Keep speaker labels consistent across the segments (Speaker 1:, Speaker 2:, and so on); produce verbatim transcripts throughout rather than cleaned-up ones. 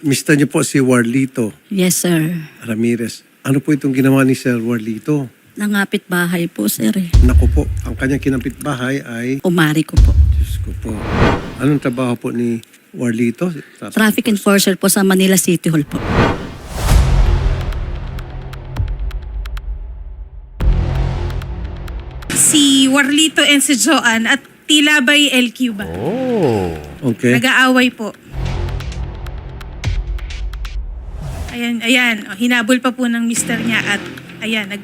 Speaker 1: mister niyo po si Warlito
Speaker 2: Yes, sir.
Speaker 1: Ramirez. Ano po itong ginawa ni Sir Warlito?
Speaker 2: Nangapit bahay po, sir. Eh.
Speaker 1: Naku po, ang kanyang kinampit bahay ay...
Speaker 2: Umari ko po.
Speaker 1: Diyos ko po. Anong trabaho po ni Warlito?
Speaker 2: Traffic enforcer po sa Manila City Hall po.
Speaker 3: Si Warlito and si Joanne at tila ba'y L Q ba?
Speaker 1: Oh. Okay.
Speaker 3: Nag-aaway po. Ayan, ayan. O, hinabol pa po ng mister niya at ayan, nag...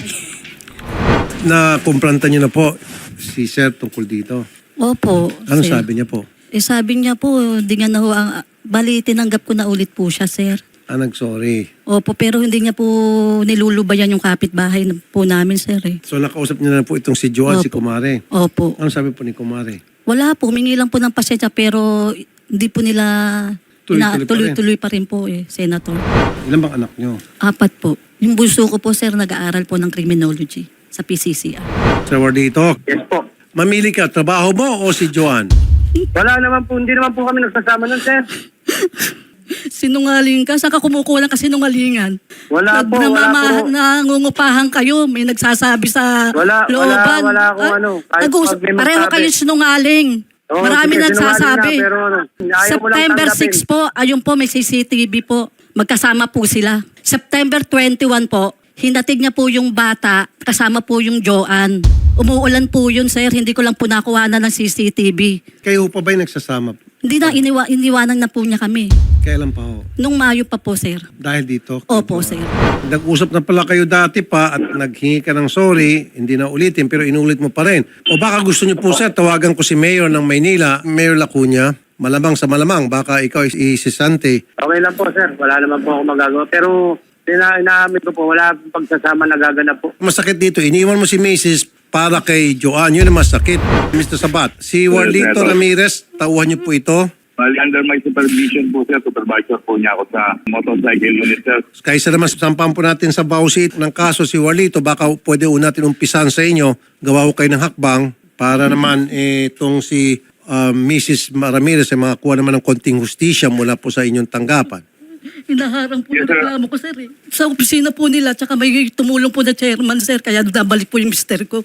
Speaker 1: Na-kumpranta niyo na po si Sir tungkol dito.
Speaker 2: Opo.
Speaker 1: Ano
Speaker 2: sir.
Speaker 1: sabi niya po?
Speaker 2: Eh sabi niya po, di nga na ho ang... Bali, tinanggap ko na ulit po siya, sir.
Speaker 1: Ah, nag-sorry.
Speaker 2: Opo, pero hindi niya po nilulubayan yung kapitbahay na- po namin, sir. Eh.
Speaker 1: So nakausap niyo na po itong si Joanne, si
Speaker 2: Opo.
Speaker 1: Kumare.
Speaker 2: Opo.
Speaker 1: Ano sabi po ni Kumare?
Speaker 2: Wala po, humingi lang po ng pasensya pero hindi po nila...
Speaker 1: Tuloy-tuloy pa rin.
Speaker 2: tuloy-tuloy pa rin po eh, Senator.
Speaker 1: Ilan bang anak niyo?
Speaker 2: Apat po. Yung bunso ko po, sir, nag-aaral po ng criminology sa P C C R.
Speaker 1: Sir Warlito,
Speaker 4: Yes po.
Speaker 1: mamili ka, trabaho mo o si Joanne?
Speaker 4: Wala naman po, hindi naman po kami nagsasama nun, sir.
Speaker 2: Sinungaling ka? Saan ka kumukuha ng kasinungalingan?
Speaker 4: Wala po, wala
Speaker 2: Namama-
Speaker 4: po.
Speaker 2: Nangungupahan kayo, may nagsasabi sa
Speaker 4: Wala, wala,
Speaker 2: looban.
Speaker 4: wala akong
Speaker 2: Ah,
Speaker 4: ano, kahit
Speaker 2: nag-uusap-
Speaker 4: pag may
Speaker 2: pareho
Speaker 4: magsabi.
Speaker 2: kayo sinungaling.
Speaker 4: Oo,
Speaker 2: Marami
Speaker 4: sige,
Speaker 2: nagsasabi.
Speaker 4: sinungaling na, pero ano, ayaw mo lang
Speaker 2: September
Speaker 4: tanggapin.
Speaker 2: six po, ayun po, may C C T V po. Magkasama po sila. September twenty-one po, hinatid niya po yung bata, kasama po yung Joanne. Umuulan po yun, sir. Hindi ko lang po nakuha na ng C C T V.
Speaker 1: Kayo pa ba'y nagsasama?
Speaker 2: Hindi na, iniwa, iniwanan na po niya kami.
Speaker 1: Kailan pa ho?
Speaker 2: Nung Mayo pa po, sir.
Speaker 1: Dahil dito?
Speaker 2: Opo, sir.
Speaker 1: Nag-usap na pala kayo dati pa at naghingi ka ng sorry, hindi na ulitin pero inulit mo pa rin. O baka gusto niyo po sir, tawagan ko si Mayor ng Maynila, Mayor Lacuna, malamang sa malamang, baka ikaw isisante.
Speaker 4: Okay lang po, sir. Wala naman po ako magagawa. Pero, ina inaamin ko po, wala pong pagsasama nagaganap po.
Speaker 1: Masakit dito, iniwan mo si Missus para kay Joanne, yun ang masakit. mister Sabat, si Warlito
Speaker 5: Senator.
Speaker 1: Ramirez, tauhan niyo po ito.
Speaker 5: Well, under my supervision po, sir, supervisor po niya ako sa motorcycle unit, sir.
Speaker 1: Kaysa naman sampahan po natin sa bausit ng kaso si Warlito, baka pwede po natin umpisan sa inyo, gawa ko kayo ng hakbang para naman eh, itong si uh, Missus Ramirez ay makakuha naman ng konting hustisya mula po sa inyong tanggapan.
Speaker 2: Hinaharang po
Speaker 5: Yes,
Speaker 2: yung
Speaker 5: sir.
Speaker 2: reklamo ko, sir. Eh. Sa opisina po nila, tsaka may tumulong po na chairman, sir. Kaya nabalik po yung mister ko.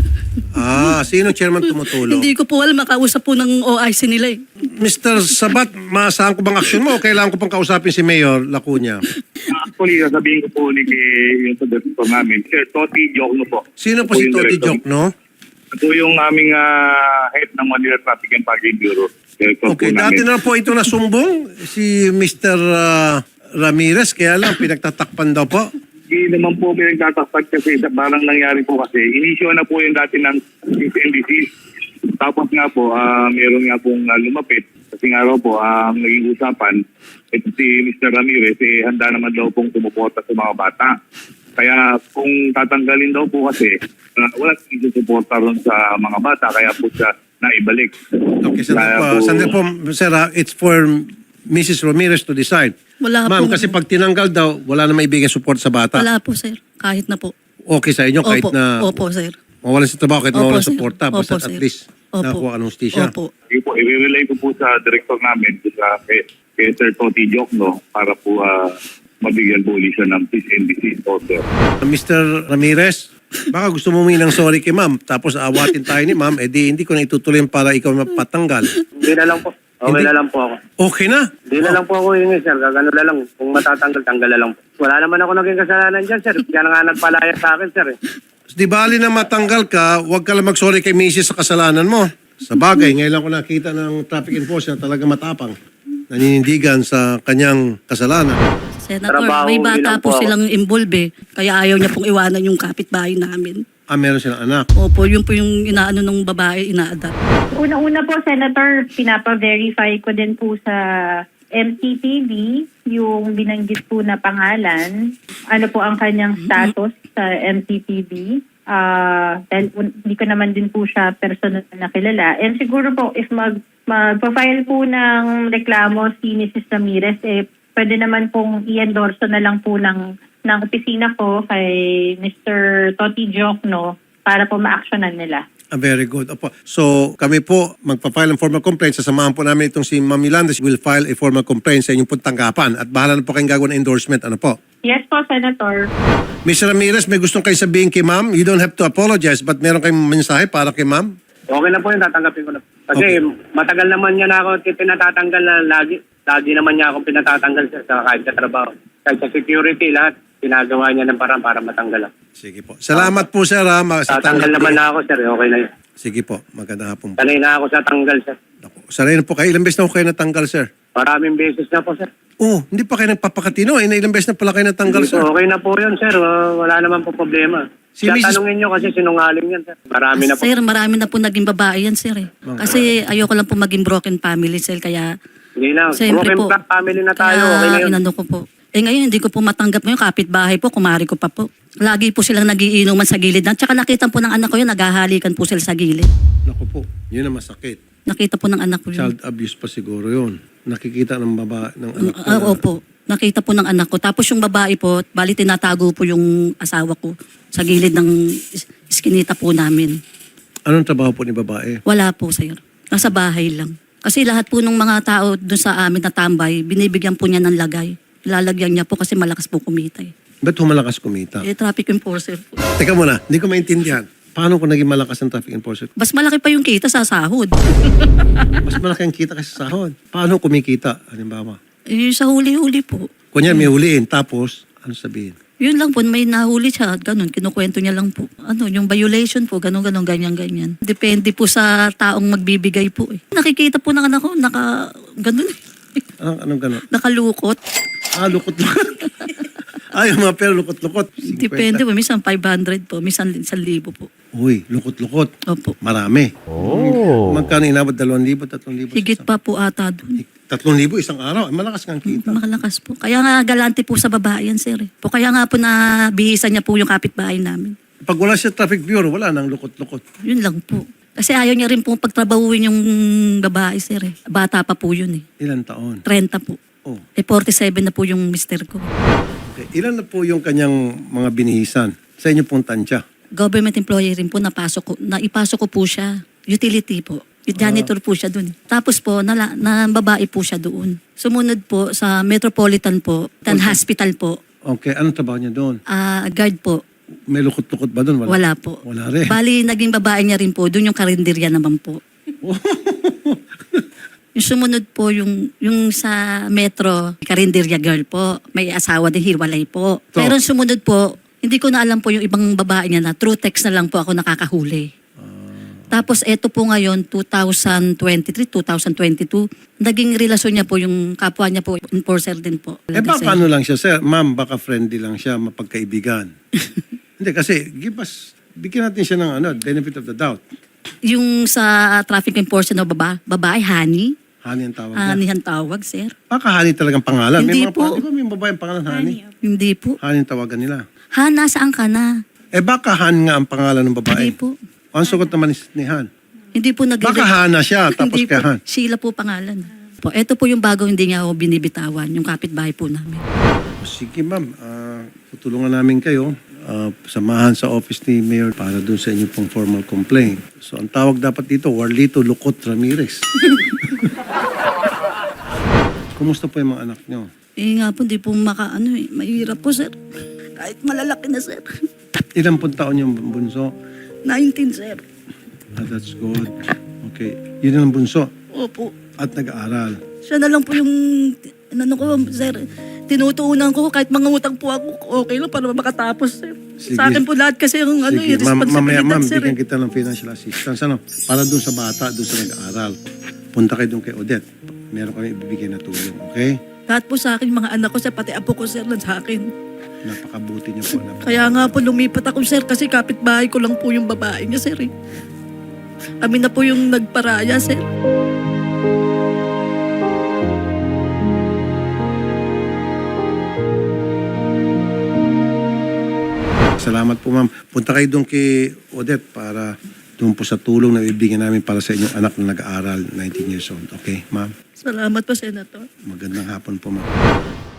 Speaker 1: Ah, sino chairman tumutulong?
Speaker 2: Hindi ko po alam, makausap po ng O I C nila eh.
Speaker 1: mister Sabat, maasahan ko bang aksyon mo o kailangan ko pang kausapin si Mayor Lacuna?
Speaker 5: Actually, sabihin ko po ulit kay yung sa director namin, Sir Toti Jokno po.
Speaker 1: Sino po
Speaker 5: Ako
Speaker 1: si
Speaker 5: yung
Speaker 1: Toti
Speaker 5: director.
Speaker 1: Jok, no?
Speaker 5: Ito yung aming ah, head ng Manila Traffic and Parking Bureau. Director
Speaker 1: Okay,
Speaker 5: po
Speaker 1: dati
Speaker 5: namin.
Speaker 1: na po ito nasumbong si mister uh, Ramirez, kaya lang pinagtatakpan daw po.
Speaker 5: Hindi naman po pinagtatakpat kasi sa parang nangyari po kasi. Inisyo na po yung dati ng N D C. Tapos nga po, ah, meron nga pong ah, lumapit. Kasi nga raw po, ang naging usapan, ito si mister Ramirez, eh, handa naman daw pong tumuporta sa mga bata. Kaya kung tatanggalin daw po kasi, uh, wala siyang susuporta ron sa mga bata, kaya po siya naibalik.
Speaker 1: Okay, sandali
Speaker 5: Kaya
Speaker 1: po, sandali po, sir, ah, it's for Missus Ramirez to decide.
Speaker 2: Wala
Speaker 1: Ma'am,
Speaker 2: po.
Speaker 1: kasi pag tinanggal daw, wala na maibigay support sa bata.
Speaker 2: Wala po, sir. Kahit na po.
Speaker 1: Okay sa inyo, kahit
Speaker 2: Opo,
Speaker 1: na
Speaker 2: opo, sir.
Speaker 1: mawalan sa trabaho, kahit
Speaker 2: Opo,
Speaker 1: mawalan
Speaker 2: sir.
Speaker 1: suporta, basta
Speaker 2: Opo,
Speaker 1: at
Speaker 2: sir.
Speaker 1: least
Speaker 2: Opo.
Speaker 1: nakuha ka ng hustisya.
Speaker 2: Opo.
Speaker 5: Sige po, i-relay ko po sa director namin, sa kay, kay Sir Toti Jokno, para po ah, mabigyan po ulit siya ng peace and disease order.
Speaker 1: mister Ramirez, baka gusto mo humingi ng sorry kay ma'am, tapos awatin tayo ni ma'am, edi hindi ko na itutuloy para ikaw mapatanggal.
Speaker 4: Hindi na lang po. Okay
Speaker 1: Hindi.
Speaker 4: na lang po ako.
Speaker 1: Okay na.
Speaker 4: Hindi na lang po ako hingi, sir. Gagano na lang. Kung matatanggal, tanggal na lang po. Wala naman ako naging kasalanan dyan, sir. Kaya nga nagpalaya sa akin, sir. Eh.
Speaker 1: Di bali na matanggal ka, huwag ka lang mag-sorry kay Missus sa kasalanan mo. Sa bagay, ngayon lang ko nakita ng traffic enforcer na talaga matapang. Naninindigan sa kanyang kasalanan.
Speaker 2: Senator,
Speaker 4: Trabaho
Speaker 2: may bata
Speaker 4: lang
Speaker 2: po
Speaker 4: po ako.
Speaker 2: silang involved eh. Kaya ayaw niya pong iwanan yung kapitbahay namin.
Speaker 1: Ah, meron silang anak.
Speaker 2: Opo, yun po yung inaano ng babae, ina-adapt.
Speaker 6: Una-una po, Senator, pinapa-verify ko din po sa M T T V yung binanggit po na pangalan. Ano po ang kanyang status sa M T T V. Ah, dahil un- hindi ko naman din po siya personal na kilala. And siguro po, if mag, mag-file po ng reklamo si Missus Ramirez, eh, pwede naman pong i-endorso na lang po ng, ng opisina ko kay mister Toti Jokno para po ma-actionan nila.
Speaker 1: Ah, very good. Opo. So, kami po magpa-file ng formal complaint. Sasamahan po namin itong si Ma'am Milandes. Will file a formal complaint sa inyong pong tanggapan. At bahala na po kayong gagawin ng endorsement. Ano po?
Speaker 6: Yes po, Senator.
Speaker 1: Mister Ramirez, may gustong kayo sabihin kay Ma'am. You don't have to apologize, but meron kayong mensahe para kay Ma'am?
Speaker 4: Okay na po yun, tatanggapin ko na. Kasi
Speaker 1: Okay.
Speaker 4: matagal naman niya na ako pinatatanggal na lagi. Lagi naman niya ako pinatatanggal sir, sa kahit sa trabaho. Kahit sa security, lahat. Ginagawa niya ng parang para matanggal ako.
Speaker 1: Sige po. Salamat po, sir. Ha, ma- sa
Speaker 4: Tatanggal
Speaker 1: tanggap
Speaker 4: naman
Speaker 1: niyo.
Speaker 4: na ako sir, okay na yun.
Speaker 1: Sige po. Magandang hapon po.
Speaker 4: Sanay na ako sa tanggal sir.
Speaker 1: Ako. Sanay na po kayo. Ilang beses na po kayo natanggal, sir?
Speaker 4: Maraming beses na po sir.
Speaker 1: Oh, hindi pa kayo nagpapakatino. Eh, ilang beses na pala kayo natanggal, sir?
Speaker 4: Okay na po yun sir, Uh, wala naman po problema.
Speaker 1: Si
Speaker 4: Kaya
Speaker 1: Missus
Speaker 4: tanungin niyo kasi sinungaling yan sir. Marami na po.
Speaker 2: Sir, marami na po naging babae yan, sir. Eh. Kasi ayoko lang po maging broken family, sir. Kaya,
Speaker 4: Hindi na.
Speaker 2: siyempre
Speaker 4: Broken
Speaker 2: po.
Speaker 4: fa- family na tayo,
Speaker 2: kaya
Speaker 4: okay na yun.
Speaker 2: inano ko po. Eh ngayon, hindi ko po matanggap ngayon. Kapitbahay po, kumari ko pa po. Lagi po silang nagiinuman sa gilid. At saka nakita po ng anak ko yun, naghahalikan po sila sa gilid.
Speaker 1: Naku po. Yun ang masakit.
Speaker 2: Nakita po ng anak ko yun.
Speaker 1: Child abuse pa siguro yun. Nakikita ng baba ng anak ko.
Speaker 2: Ah,
Speaker 1: na-
Speaker 2: opo. Nakita po ng anak ko. Tapos yung babae po, bali tinatago po yung asawa ko sa gilid ng is- iskinita po namin.
Speaker 1: Anong trabaho po ni babae?
Speaker 2: Wala po, sir. Nasa bahay lang. Kasi lahat po ng mga tao doon sa amin na tambay, binibigyan po niya ng lagay. Lalagyan niya po kasi malakas po kumita. Eh,
Speaker 1: Ba't humalakas kumita?
Speaker 2: eh traffic enforcer po.
Speaker 1: Teka muna, hindi ko maintindihan. Paano kung naging malakas ang traffic enforcer?
Speaker 2: Mas malaki pa yung kita sa sahod.
Speaker 1: Mas malaki ang kita kasi sa sahod. Paano kumikita? Halimbawa.
Speaker 2: Eh, sa huli-huli po.
Speaker 1: Kunya may huliin, tapos, ano sabihin?
Speaker 2: Yun lang po, may nahuli siya, ganun, kinukwento niya lang po. Ano, yung violation po, ganun, ganun, ganyan, ganyan. Depende po sa taong magbibigay po eh. Nakikita po ng anak ko, naka, ganun eh.
Speaker 1: Anong, anong gano'n?
Speaker 2: Nakalukot.
Speaker 1: Ah, lukot-lukot. Ay, yung mga pero lukot-lukot.
Speaker 2: Depende po, minsan five hundred po, minsan one libo po.
Speaker 1: Uy, lukot-lukot.
Speaker 2: Opo.
Speaker 1: Marami. Oh. Magkano inabot? Dalawang libo, tatlong libo?
Speaker 2: Higit pa po ata doon.
Speaker 1: Tatlong libo isang araw. Ay, malakas kang kita.
Speaker 2: Makalakas po. Kaya nga galante po sa babae yan, sir. Eh. Po, kaya nga po na bihisan niya po yung kapitbahay namin.
Speaker 1: Pag wala siya traffic bureau, wala nang lukot-lukot.
Speaker 2: Yun lang po. Kasi ayaw niya rin po pagtrabahuin yung babae, sir. Eh. Bata pa po yun eh.
Speaker 1: Ilan taon?
Speaker 2: thirty po.
Speaker 1: Oh.
Speaker 2: Eh, forty-seven na po yung mister ko.
Speaker 1: Okay. Ilan na po yung kanyang mga binihisan sa inyo pong tansya?
Speaker 2: Government employee rin po, napasok ko, naipasok ko po siya. Utility po. Yung janitor po siya doon. Tapos po, nala, na babae po siya doon. Sumunod po sa Metropolitan po, Tan Hospital po,
Speaker 1: Okay, anong trabaho niya doon?
Speaker 2: ah, guard po.
Speaker 1: May lukot-lukot ba doon?
Speaker 2: Wala po.
Speaker 1: Wala rin.
Speaker 2: Bali, naging babae niya rin po, doon yung karinderya naman po. Yung sumunod po, yung, yung sa Metro, karinderya girl po, may asawa din, hiwalay po.
Speaker 1: So-
Speaker 2: Pero sumunod po, hindi ko na alam po yung ibang babae niya na true text na lang po ako nakakahuli. Tapos eto po ngayon, twenty twenty-three, twenty twenty-two, naging relasyon niya po yung kapwa niya po, enforcer din po.
Speaker 1: Eh baka ano lang siya, sir? Ma'am, baka friendly lang siya, mapagkaibigan. Hindi, kasi give us, bigyan natin siya ng ano, benefit of the doubt.
Speaker 2: Yung sa traffic enforcer na baba, babae, honey.
Speaker 1: Hani ang tawag
Speaker 2: Honey
Speaker 1: niya.
Speaker 2: ang tawag, sir.
Speaker 1: Baka Hani talagang pangalan.
Speaker 2: Hindi
Speaker 1: may mga
Speaker 2: po.
Speaker 1: pa- di ba may babae ang pangalan Hani?
Speaker 2: Hindi po.
Speaker 1: Hani ang tawagan nila.
Speaker 2: Hana, saan ka na?
Speaker 1: Eh baka Han nga ang pangalan ng babae.
Speaker 2: Hindi po.
Speaker 1: Ang sagot naman ni ni Han.
Speaker 2: Hindi po nag-
Speaker 1: Baka Hana siya, tapos
Speaker 2: Hindi
Speaker 1: kay
Speaker 2: po.
Speaker 1: Han.
Speaker 2: Sheila po pangalan. Po, ito po yung bago hindi niya ako binibitawan, yung kapitbahay po namin.
Speaker 1: Sige ma'am, ah, tutulungan namin kayo. Ah, samahan sa office ni Mayor para dun sa inyo pong formal complaint. So ang tawag dapat dito, Warlito Lukot Ramirez. Kumusta po yung mga anak nyo?
Speaker 2: Eh nga po, hindi po maka, ano eh, mahirap po, sir. Kahit malalaki na, sir.
Speaker 1: Ilang pong taon yung bunso?
Speaker 2: nineteen, sir.
Speaker 1: Ah, that's good. Okay. Yun ang bunso.
Speaker 2: Opo.
Speaker 1: At nag-aaral.
Speaker 2: Siya na lang po yung, ano ko, sir, tinutuunan ko kahit mga utang po ako, okay lang para makatapos, sir.
Speaker 1: Sige.
Speaker 2: Sa akin po lahat kasi yung ano,
Speaker 1: Sige,
Speaker 2: yung
Speaker 1: ma'am, mamaya
Speaker 2: responsibilidad,
Speaker 1: ma'am,
Speaker 2: sir.
Speaker 1: bigyan
Speaker 2: eh.
Speaker 1: kita ng financial assistance. Ano? Para dun sa bata, dun sa nag-aaral. Punta kayo dun kay Odette. Meron kami ibibigay na tulong, okay?
Speaker 2: Lahat po sa akin, mga anak ko, sir, pati apo ko, sir, lang sa akin.
Speaker 1: Napakabuti niyo po. Napaka-
Speaker 2: Kaya nga po lumipat ako, sir, kasi kapitbahay ko lang po yung babae niya, sir. Eh. Kami na po yung nagparaya, sir.
Speaker 1: Salamat po ma'am. Punta kayo doon kay Odette para doon po sa tulong na ibigyan namin para sa inyong anak na nag-aaral, nineteen years old. Okay, ma'am?
Speaker 2: Salamat po, Senator.
Speaker 1: Magandang hapon po ma'am.